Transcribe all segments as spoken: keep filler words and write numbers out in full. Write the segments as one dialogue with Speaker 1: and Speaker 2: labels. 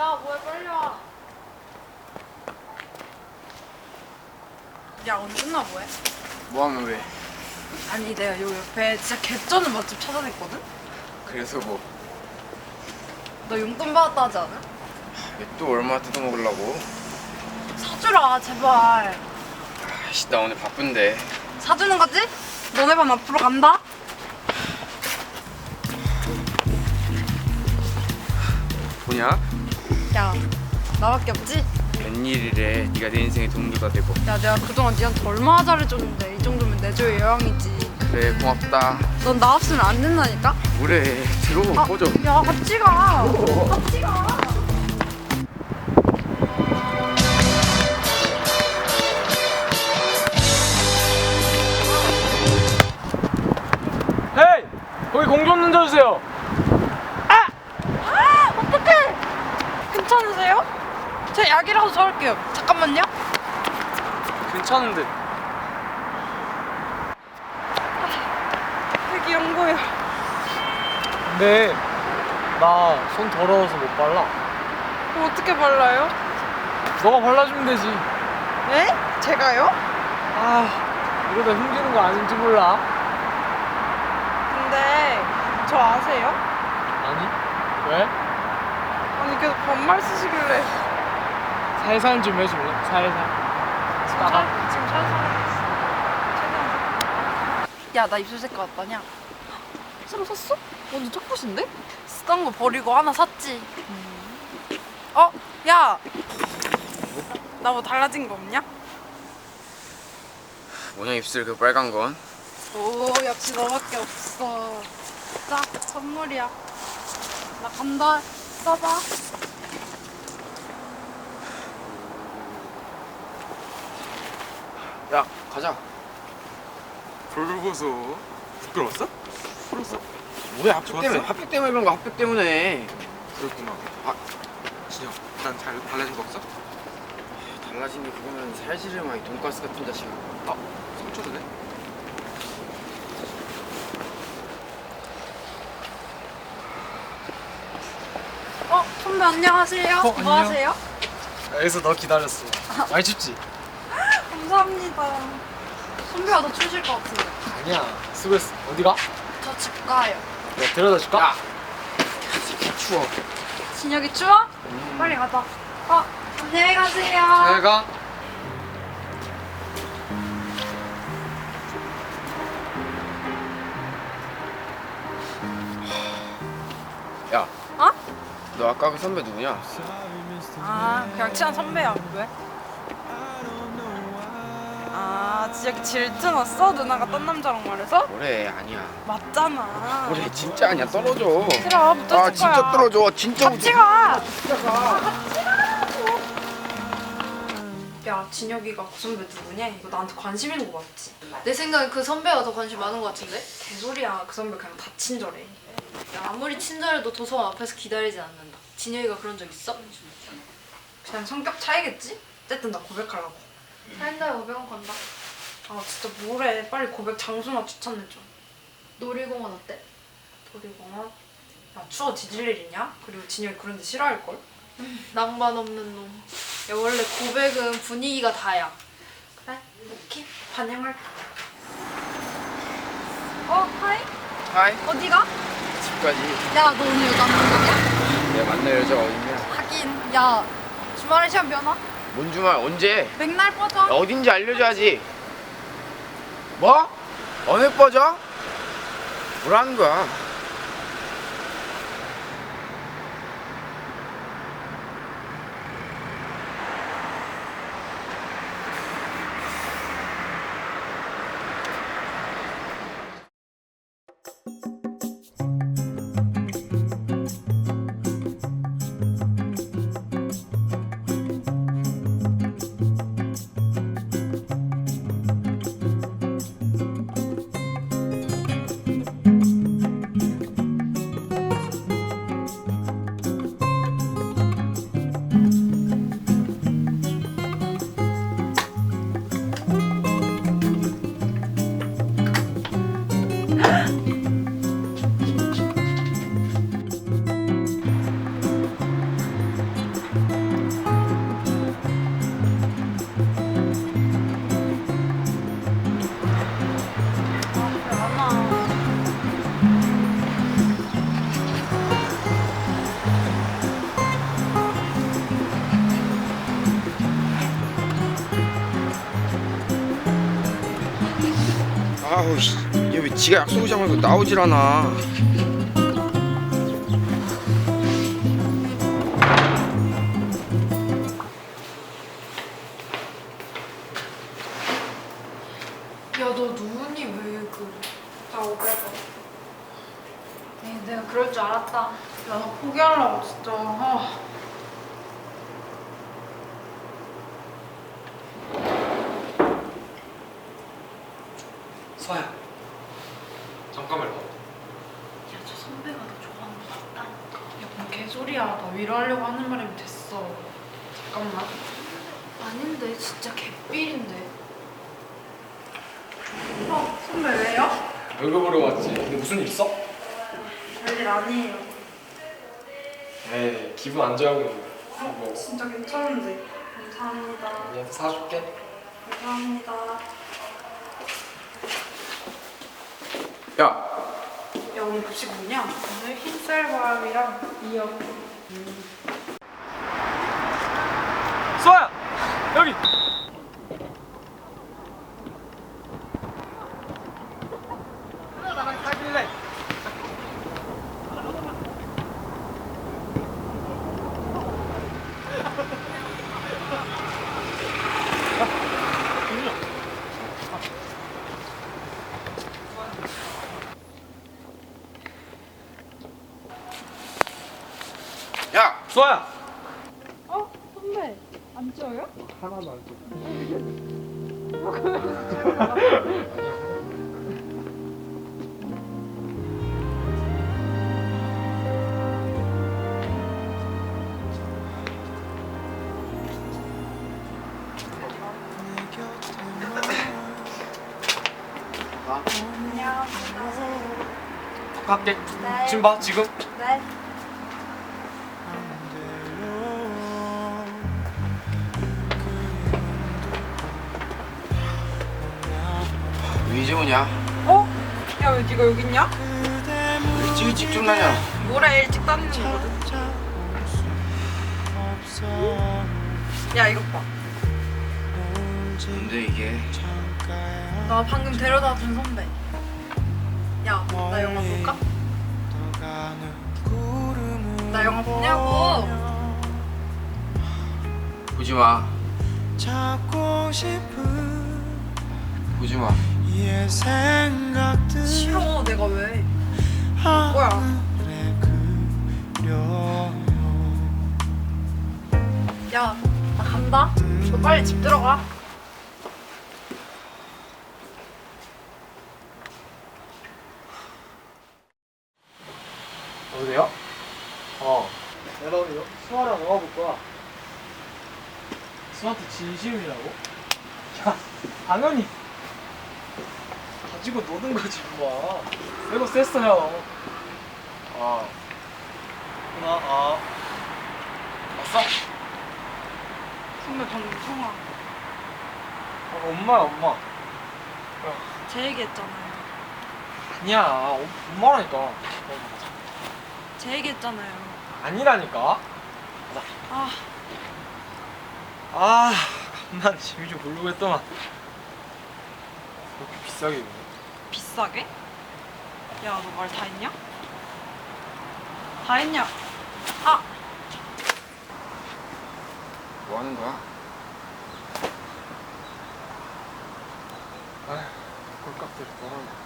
Speaker 1: 야, 뭐해, 빨리 와. 야, 오늘 끝나 뭐해?
Speaker 2: 뭐하면 왜?
Speaker 1: 아니, 내가 요 옆에 진짜 개쩌는 맛집 찾아냈거든?
Speaker 2: 그래서 뭐?
Speaker 1: 너 용돈 받았다 하지 않아?
Speaker 2: 왜 또 얼마 뜯어먹으려고?
Speaker 1: 사주라, 제발.
Speaker 2: 아씨 나 오늘 바쁜데.
Speaker 1: 사주는 거지? 너네 반 앞으로 간다?
Speaker 2: 뭐냐?
Speaker 1: 야, 나밖에 없지?
Speaker 2: 웬일이래. 네가 내 인생에 도움도 다 되고.
Speaker 1: 야, 내가 그동안 니한테 얼마나 잘해줬는데 이 정도면 내조의 여왕이지.
Speaker 2: 그래 고맙다.
Speaker 1: 넌 나 없으면 안 된다니까?
Speaker 2: 그래 들어
Speaker 1: 아,
Speaker 2: 꺼져.
Speaker 1: 야, 같이 가. 같이 가.
Speaker 3: 헤이! 거기 공 좀 던져주세요.
Speaker 1: 아, 어떡해. 괜찮으세요? 제가 약이라도 사올게요. 잠깐만요.
Speaker 3: 괜찮은데.
Speaker 1: 되게 연고요.
Speaker 3: 근데 나 손 더러워서 못 발라.
Speaker 1: 그럼 어떻게 발라요?
Speaker 3: 너가 발라주면 되지.
Speaker 1: 네? 제가요?
Speaker 3: 아, 이러다 흉지는 거 아닌지 몰라.
Speaker 1: 근데 저 아세요?
Speaker 3: 아니? 왜?
Speaker 1: 아니 계속 반말 쓰시길래
Speaker 3: 살살 좀 해줄래? 살살.
Speaker 1: 지금 살, 지금 살살 야나 입술 색깔 어떠냐? 새로 샀어? 완전 짝굿인데? 쓰던 거 버리고 하나 샀지. 음. 어? 야! 나 뭐 달라진 거 없냐?
Speaker 2: 뭐냐 입술 그 빨간 건?
Speaker 1: 오 역시 너밖에 없어. 자 선물이야. 나 간다. 써봐.
Speaker 2: 야 가자. 불보소. 부끄러웠어? 부끄러웠어. 뭐야 합격
Speaker 4: 좋았어?
Speaker 2: 때문에 합격 때문에 그런 거 합격 때문에.
Speaker 4: 그렇구나.
Speaker 2: 아
Speaker 4: 진영, 난 잘 달라진 거 없어?
Speaker 2: 달라진 게 그거면 살시름하게 돈가스 같은 자식아.
Speaker 4: 아, 삼초도 돼?
Speaker 1: 어 선배 안녕하세요.
Speaker 3: 어,
Speaker 1: 뭐
Speaker 3: 안녕.
Speaker 1: 하세요?
Speaker 3: 여기서 너 기다렸어. 많이 춥지?
Speaker 1: 감사합니다. 선배가 더 추우실 것 같은데.
Speaker 3: 아니야. 수고했어. 어디 가?
Speaker 1: 저 집 가요.
Speaker 3: 내가 데려다 줄까?
Speaker 2: 야 추워.
Speaker 1: 진혁이 추워? 빨리 가자. 어 안녕히 가세요.
Speaker 3: 잘 가.
Speaker 2: 야
Speaker 1: 어?
Speaker 2: 너 아까 그 선배 누구냐?
Speaker 1: 아 그냥 친한 선배야. 왜? 아 진혁이 질투났어? 누나가 딴 남자랑 말해서?
Speaker 2: 뭐래 아니야.
Speaker 1: 맞잖아.
Speaker 2: 뭐래 진짜 아니야 떨어져.
Speaker 1: 싫어 못
Speaker 2: 아
Speaker 1: 떨어질
Speaker 2: 진짜
Speaker 1: 거야.
Speaker 2: 떨어져 진짜.
Speaker 1: 같이 가. 야 진혁이가 그 선배 누구냐? 이거 나한테 관심 있는 거 맞지?
Speaker 5: 내 생각에 그 선배가 더 관심 많은 것 같은데?
Speaker 1: 개소리야. 그 선배 그냥 다 친절해.
Speaker 5: 야, 아무리 친절해도 도서관 앞에서 기다리진 않는다. 진혁이가 그런 적 있어?
Speaker 1: 그냥 성격 차이겠지? 어쨌든 나 고백하려고.
Speaker 5: 한 달에 오백 원 건다.
Speaker 1: 아 진짜 뭐래. 빨리 고백 장소나 추천해줘.
Speaker 5: 놀이공원 어때?
Speaker 1: 놀이공원? 야 추워 뒤질 일 있냐? 그리고 진혁이 그런 데 싫어할걸?
Speaker 5: 낭만 없는 놈. 야, 원래 고백은 분위기가 다야.
Speaker 1: 그래? 오케이 반영할게. 어 하이?
Speaker 2: 하이
Speaker 1: 어디가?
Speaker 2: 집까지.
Speaker 1: 야 너 오늘 여자 안 만나냐?
Speaker 2: 내가 만날 여자 어딨냐?
Speaker 1: 하긴 야 주말에 시험 면허?
Speaker 2: 뭔 주말 언제?
Speaker 1: 맥날 버전?
Speaker 2: 어딘지 알려줘야지. 뭐? 어느 버전? 뭐라는 거야? 아우 씨, 얘 왜 지가 약속 오지 말고 나오질 않아.
Speaker 1: 야, 너 누구니? 왜 그래? 나 오백 원. 에이, 내가 그럴 줄 알았다. 야, 나 포기하려고 진짜. 아.
Speaker 3: 서야 잠깐만 봐.
Speaker 1: 야, 저 선배가 너 좋아하는 거 맞다니까. 야, 뭔 개소리야. 나 위로하려고 하는 말이면 됐어. 잠깐만. 아닌데, 진짜 개삘인데. 어, 선배 왜요?
Speaker 3: 얼굴 보러 왔지. 근데 무슨 일 있어?
Speaker 1: 별일 아니에요.
Speaker 3: 에이 기분 안 좋아하고 있는
Speaker 1: 어,
Speaker 3: 뭐
Speaker 1: 진짜 괜찮은데. 감사합니다.
Speaker 3: 얘한테 사줄게.
Speaker 1: 감사합니다.
Speaker 2: 야,
Speaker 1: 야, 오늘 급식 뭐냐? 오늘 흰쌀밥이랑 미역.
Speaker 3: 서야 여기. 나랑 사귈래?
Speaker 2: 야,
Speaker 3: 서야.
Speaker 1: 어? 선배, 안 쪄요?
Speaker 3: 하나도 안 줘. 갈게. 지금 봐 지금.
Speaker 1: 네.
Speaker 2: 왜 이제 오냐?
Speaker 1: 어? 야, 왜 네가 여기 있냐?
Speaker 2: 일찍 일찍 좀 나냐?
Speaker 1: 뭐래, 일찍 다니는 거거든. 야, 이것 봐.
Speaker 2: 근데 이게
Speaker 1: 나 방금 데려다 준 선배. 야, 나 영화 볼까? 나 영화 보냐고.
Speaker 2: 보지 마. 보지 마.
Speaker 1: 싫어, 내가 왜? 뭐야? 야, 나 간다. 너 빨리 집 들어가.
Speaker 3: 어디야? 어. 내가 오늘 수아랑 영화 볼 거야. 수아한테 진심이라고? 야, 당연히 가지고 노는 거지 뭐. 내가 셌어요. 아. 나 아. 왔어?
Speaker 1: 선배 방금 통화.
Speaker 3: 어, 엄마야 엄마.
Speaker 1: 제 얘기했잖아요.
Speaker 3: 아니야 어, 엄마라니까. 어,
Speaker 1: 제 얘기했잖아요.
Speaker 3: 아니라니까.
Speaker 1: 아,
Speaker 3: 아, 난 재미 좀 보려고 했더만. 그렇게 비싸게 입네.
Speaker 1: 비싸게? 야, 너 말 다 했냐? 다 했냐? 아!
Speaker 2: 뭐 하는 거야?
Speaker 3: 아휴, 꼴값들이 떠나네.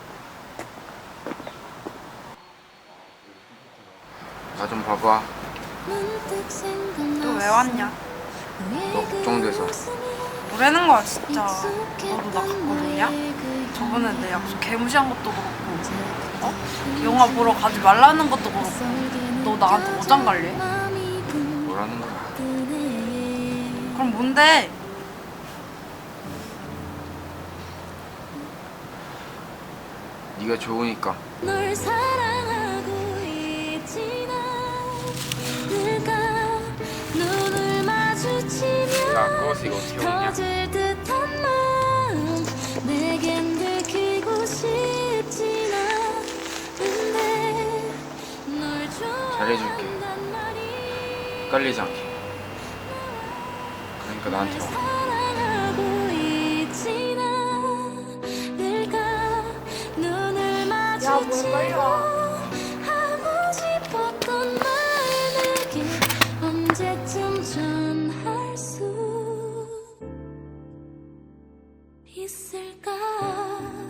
Speaker 2: 나 좀 봐봐.
Speaker 1: 너 왜 왔냐?
Speaker 2: 너 걱정돼서.
Speaker 1: 뭐라는 거야, 진짜. 너도 나 갖고 놀냐? 저번에 내 약속 개무시한 것도 그렇고, 어? 영화 보러 가지 말라는 것도 그렇고, 너 나한테 어장 갈래?
Speaker 2: 뭐라는 거야?
Speaker 1: 그럼 뭔데?
Speaker 2: 네가 좋으니까.
Speaker 6: 널 사랑하고 있지 나 내가 눈을 마주치면
Speaker 2: 야, 그것이 이거 어떻게 오냐?
Speaker 6: 터질 듯한 마음 내겐 들키고 싶진 않은데 널
Speaker 2: 잘해줄게.
Speaker 6: 좋아한단 말이
Speaker 2: 헷갈리지 않게. 그러니까 나한테 와.
Speaker 6: 사랑하고 있지 나 내가 마주치고 하고 싶었던 말 내게 언제쯤 전할 수 있을까?